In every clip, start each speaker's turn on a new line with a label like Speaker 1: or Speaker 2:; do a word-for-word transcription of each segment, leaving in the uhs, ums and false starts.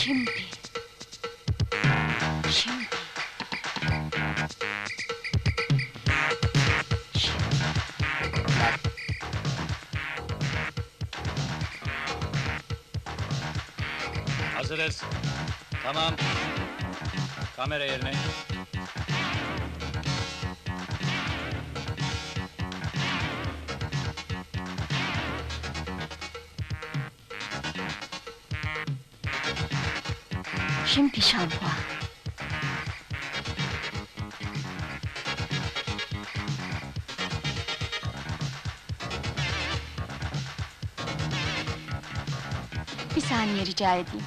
Speaker 1: Şimdi. Şimdi.
Speaker 2: Hazırız. Tamam. Kamera yerine.
Speaker 1: Şimdi şampuan. Bir saniye rica edeyim.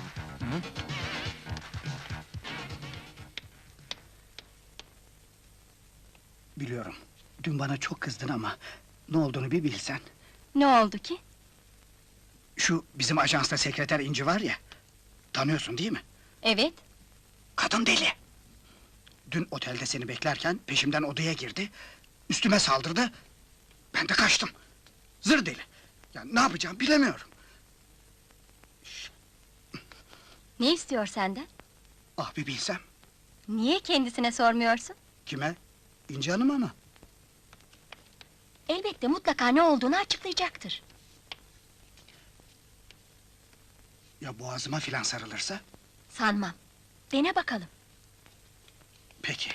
Speaker 3: Biliyorum. Dün bana çok kızdın ama ne olduğunu bir bilsen.
Speaker 1: Ne oldu ki?
Speaker 3: Şu bizim ajansta sekreter İnci var ya. Tanıyorsun değil mi?
Speaker 1: Evet.
Speaker 3: Kadın deli. Dün otelde seni beklerken peşimden odaya girdi. Üstüme saldırdı. Ben de kaçtım. Zır deli. Ya ne yapacağım bilemiyorum.
Speaker 1: Ne istiyor senden?
Speaker 3: Ah bir bilsem.
Speaker 1: Niye kendisine sormuyorsun?
Speaker 3: Kime? İnci Hanım'a mı?
Speaker 1: Elbette mutlaka ne olduğunu açıklayacaktır.
Speaker 3: Ya boğazıma filan sarılırsa?
Speaker 1: Sanmam. Dene bakalım.
Speaker 3: Peki.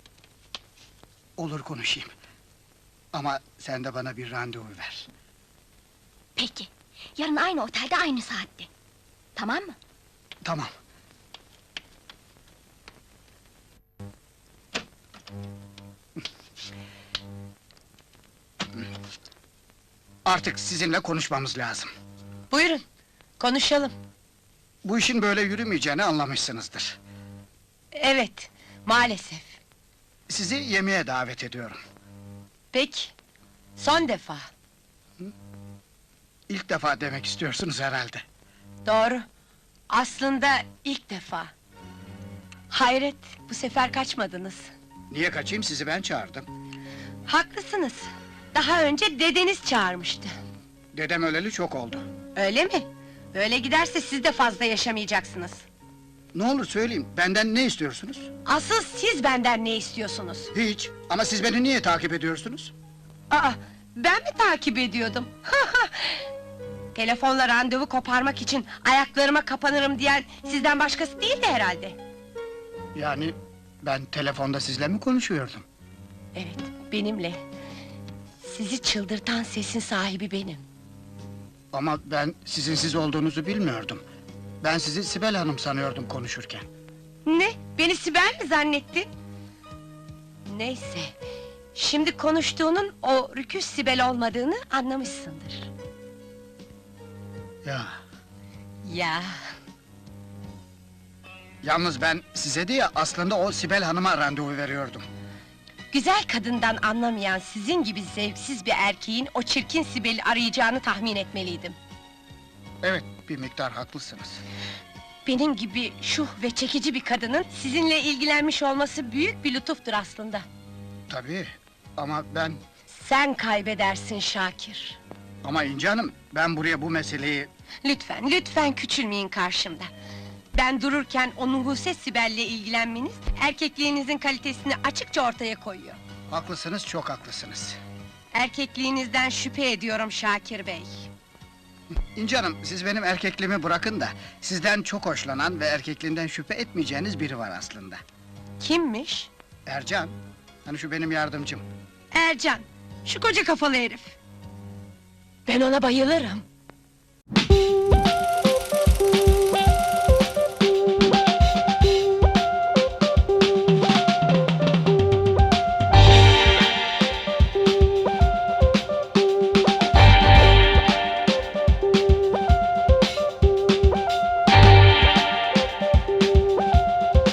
Speaker 3: Olur konuşayım. Ama sen de bana bir randevu ver.
Speaker 1: Peki. Yarın aynı otelde aynı saatte. Tamam mı?
Speaker 3: Tamam. Artık sizinle konuşmamız lazım.
Speaker 4: Buyurun, konuşalım.
Speaker 3: Bu işin böyle yürümeyeceğini anlamışsınızdır.
Speaker 4: Evet, maalesef.
Speaker 3: Sizi yemeğe davet ediyorum.
Speaker 4: Peki, son defa.
Speaker 3: İlk defa demek istiyorsunuz herhalde.
Speaker 4: Doğru. Aslında ilk defa. Hayret, bu sefer kaçmadınız.
Speaker 3: Niye kaçayım, sizi ben çağırdım.
Speaker 4: Haklısınız. Daha önce dedeniz çağırmıştı.
Speaker 3: Dedem öleli çok oldu.
Speaker 4: Öyle mi? Böyle giderse siz de fazla yaşamayacaksınız.
Speaker 3: Ne olur söyleyin, benden ne istiyorsunuz?
Speaker 4: Asıl siz benden ne istiyorsunuz?
Speaker 3: Hiç, ama siz beni niye takip ediyorsunuz?
Speaker 4: Aa, ben mi takip ediyordum? Telefonla randevu koparmak için ayaklarıma kapanırım diyen sizden başkası değildi herhalde.
Speaker 3: Yani ben telefonda sizle mi konuşuyordum?
Speaker 4: Evet, benimle. Sizi çıldırtan sesin sahibi benim.
Speaker 3: Ama ben sizin siz olduğunuzu bilmiyordum. Ben sizi Sibel Hanım sanıyordum konuşurken.
Speaker 4: Ne? Beni Sibel mi zannettin? Neyse, şimdi konuştuğunun o rüküş Sibel olmadığını anlamışsındır.
Speaker 3: Ya,
Speaker 4: Ya,
Speaker 3: yalnız ben size diye aslında o Sibel Hanım'a randevu veriyordum.
Speaker 4: güzel kadından anlamayan sizin gibi zevksiz bir erkeğin o çirkin Sibel'i arayacağını tahmin etmeliydim.
Speaker 3: Evet, bir miktar haklısınız.
Speaker 4: Benim gibi şuh ve çekici bir kadının sizinle ilgilenmiş olması büyük bir lütuftur aslında.
Speaker 3: Tabii, ama ben...
Speaker 4: Sen kaybedersin Şakir.
Speaker 3: Ama İnci Hanım, ben buraya bu meseleyi...
Speaker 4: Lütfen, lütfen küçülmeyin karşımda. Ben dururken o nuhuse Sibel'le ilgilenmeniz, erkekliğinizin kalitesini açıkça ortaya koyuyor.
Speaker 3: Haklısınız, çok haklısınız.
Speaker 4: Erkekliğinizden şüphe ediyorum Şakir Bey.
Speaker 3: İnci Hanım, siz benim erkekliğimi bırakın da... ...sizden çok hoşlanan ve erkekliğinden şüphe etmeyeceğiniz biri var aslında.
Speaker 4: Kimmiş?
Speaker 3: Ercan, hani şu benim yardımcım.
Speaker 4: Ercan, şu koca kafalı herif. Ben ona bayılırım.